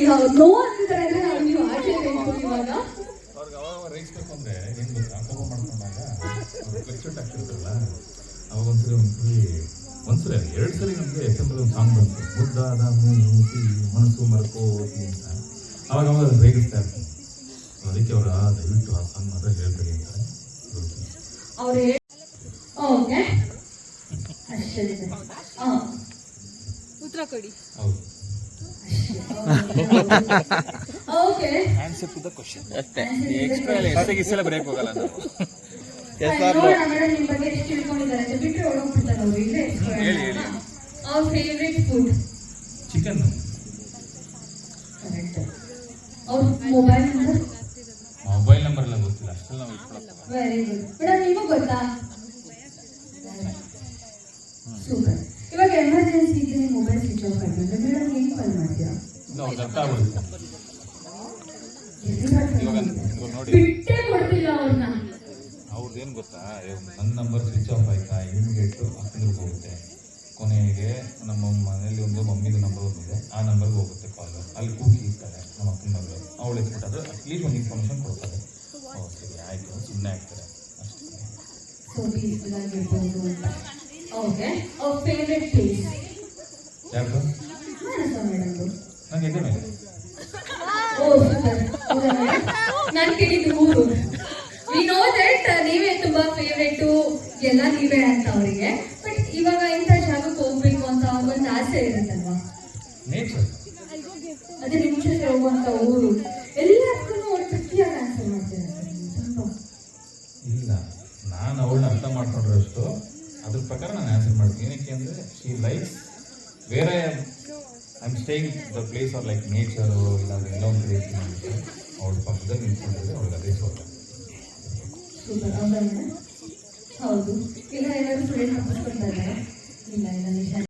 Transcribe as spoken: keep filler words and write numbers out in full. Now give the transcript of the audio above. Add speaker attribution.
Speaker 1: No ಅಂತಿದ್ದಾರೆ ಅಂದ್ರೆ ನಾವು ನೀವು ಆಡ್ಲೇಬೇಕು ಇವಾಗ.
Speaker 2: ಅವ್ರಿಗೆ ಅವಾಗ ರೈಸ್ಬೇಕು ಅಂದ್ರೆ ಏನ್ ಗೊತ್ತಾ, ಕೋಪ ಮಾಡ್ಕೊಂಡಾಗ ಫ್ಲೆಕ್ಚುಟ್ ಆಗ್ತಿರ್ತಲ್ಲ, ಅವಾಗ ಒಂದ್ಸರಿ ಒಂದ್ಸರಿ ಒಂದ್ಸರಿ ಎರಡು ಸರಿ ನಮಗೆ ಎಫ್ ಎಂ ಒಂದು ಸಾಂಗ್ ಬಂತು, ಮುದ್ದಾದ ಮೂತಿ ಮನಸ್ಸು ಮರ್ಕೋತಿ ಅಂತ. ಅವಾಗ ಅವಾಗ ರೇಗಿಸ್ತಾ ಇರ್ತೀನಿ. ಅದಕ್ಕೆ ಅವರ ದಯವಿಟ್ಟು ಆ ಸಾಂಗ್ ಮಾತ್ರ ಹೇಳ್ಬೇಡಿ ಅಂತಾರೆ.
Speaker 1: ಅವ್ರು ಓಕೆ ಅಷ್ಟೇ. ಹಾಂ
Speaker 3: ಉತ್ತರ ಕೊಡಿ.
Speaker 2: ಹೌದು.
Speaker 1: Okay
Speaker 4: answer to the question ಅಷ್ಟೇ. ಎಕ್ಸ್ಟ್ರಾ ಎಲ್ಲ ಎಸ್ಸೆಗೆ ಇಸೆಲ್ಲ ಬ್ರೇಕ್ ಹೋಗಲ್ಲ ನಾವು.
Speaker 1: ನೋಡೋಣ ಮೇಡಮ್ ನಿಮ್ಮ ಬಗ್ಗೆ ಎಷ್ಟು ತಿಳ್ಕೊಂಡಿದ್ದಾರೆ ಅಂತ ಬಿಟ್ಟರೆ ಹೊರಗೋಗ್ಬಿಡ್ತಾರೆ ಅವರು. ಇಲ್ಲೇ
Speaker 4: ಹೇಳಿ ಹೇಳಿ.
Speaker 1: ಅವ್ರ ಫೇವ್ರೆಟ್ ಫುಡ್
Speaker 2: ಚಿಕನ್.
Speaker 1: ಕರೆಕ್ಟ್. ಅವ್ರ ಮೊಬೈಲ್ ನಂಬರ್
Speaker 2: ಮೊಬೈಲ್ ನಂಬರ್ ಎಲ್ಲ ಗೊತ್ತಿಲ್ಲ, ಅಷ್ಟೆಲ್ಲ ನಾವು ಇಟ್ಕೊಳಕ್ಕೆ.
Speaker 1: Very good. ಮೇಡಮ್ ನಿಮಗೂ ಗೊತ್ತಾ? ಸೂಪರ್. ಇವಾಗ ಎಮರ್ಜೆನ್ಸಿ ಇದ್ರೆ ಮೊಬೈಲ್ ಸ್ವಿಚ್ ಆಫ್ ಆಗಿದ್ರೆ ಮೇಡಮ್ ಹೆಂಗೆ ಕಾಲ್ ಮಾಡ್ತೀರಾ?
Speaker 2: ನಾವು ಅರ್ಥ ಆಗ್ಬಿಡುತ್ತೆ. ಇವಾಗ ನೋಡಿ,
Speaker 1: ಬಿಟ್ಟೇ ಕೊಡ್ತಿಲ್ಲ ಅವ್ರನ್ನ.
Speaker 2: ಅವ್ರದ್ದು ಏನು ಗೊತ್ತಾ, ನನ್ನ ನಂಬರ್ ಸ್ವಿಚ್ ಆಫ್ ಆಯ್ತಾ ಇಮಿಡಿಯೇಟು ಅಕ್ಕಂದ್ರಿಗೆ ಹೋಗುತ್ತೆ. ಕೊನೆಗೆ ನಮ್ಮ ಮನೇಲಿ ಒಂದು ಮಮ್ಮಿದು ನಂಬರ್ ಒಂದಿದೆ, ಆ ನಂಬರ್ಗೆ ಹೋಗುತ್ತೆ ಕಾಲು. ಅಲ್ಲಿ ಕೂಗಿ ಇರ್ತಾರೆ ನಮ್ಮ ಅಕ್ಕನ ಮಗಳು, ಅವಳು ಎತ್ಬಿಟ್ಟಾದ್ರೆ ಅಟ್ಲೀಸ್ಟ್ ಒಂದು ಇನ್ಫಾರ್ಮೇಷನ್ ಕೊಡ್ತಾರೆ. ಓ ಸರಿ ಆಯಿತು, ಸುಮ್ಮನೆ ಆಗ್ತಾರೆ ಅಷ್ಟೇ.
Speaker 1: ಸೊ ಪೀಸ್ಫುಲ್ ಆಗಿರ್ಬೋದು ಅಂತ. ಓಕೆ. ಅವ್ರ ಫೇವ್ರೆಟ್ ಪ್ಲೇಸ್
Speaker 2: ಯಾರು?
Speaker 1: ಮಾನಸ ಮೇಡಮ್ದು.
Speaker 2: ನಂಗೆ ಇದೆ ಮೇಲೆ.
Speaker 1: ಓ ಸೂಪರ್. ನಾನು ಕೇಳಿದ್ದು ಊರು. ವಿ ನೋ ದಟ್ ನೀವೇ ತುಂಬಾ ಫೇವ್ರೇಟು, ಎಲ್ಲ ನೀವೇ ಅಂತ ಅವರಿಗೆ. ಬಟ್ ಇವಾಗ ಇಂಥ ಜಾಗಕ್ಕೆ ಹೋಗ್ಬೇಕು ಅಂತ ಒಂದು ಆಸೆ ಇರುತ್ತಲ್ವಾ?
Speaker 2: ನೇಚರ್.
Speaker 1: ಅದೇ ನಿಮ್ಮ ಜೊತೆ ಹೋಗುವಂತ ಊರು. ಎಲ್ಲದಕ್ಕೂ ಒಂದು ಟ್ರಿಕ್ಕಿಯಾಗಿ ಆನ್ಸರ್ ಮಾಡ್ತಿದ್ದಾರೆ ತುಂಬ.
Speaker 2: ಇಲ್ಲ, ನಾನು ಅವಳನ್ನ ಅರ್ಥ ಮಾಡ್ಕೊಂಡ್ರಷ್ಟು ಅದ್ರ ಪ್ರಕಾರ ನಾನು ಆನ್ಸರ್ ಮಾಡ್ತೀನಿ. ಏನಕ್ಕೆ ಅಂದರೆ ಶಿ ಲೈಕ್ಸ್ ಬೇರೆ I am staying the place or like nature, ಇಲ್ಲಾಂದ್ರೆ ಎಲ್ಲ ಒಂದು ಕಡೆ ಇರ್ತೀನಿ ಅಂತ ಅವಳ ಪಕ್ಕದಲ್ಲಿ ನಿಂತ್ಕೊಂಡಿದ್ರೆ ಅವಳಿಗೆ ಅದೇ ಸೋತ.
Speaker 1: ಸೂಪರ್. ಹೌದಾ? ಹೌದು. ಇಲ್ಲ ಏನಾದರೂ ಫ್ರೆಂಡ್ ತಪ್ಪಿಸ್ಕೊಳ್ತಾ ಇದ್ದಾರೆ? ಇಲ್ಲ ಇಲ್ಲ ನಿಜ.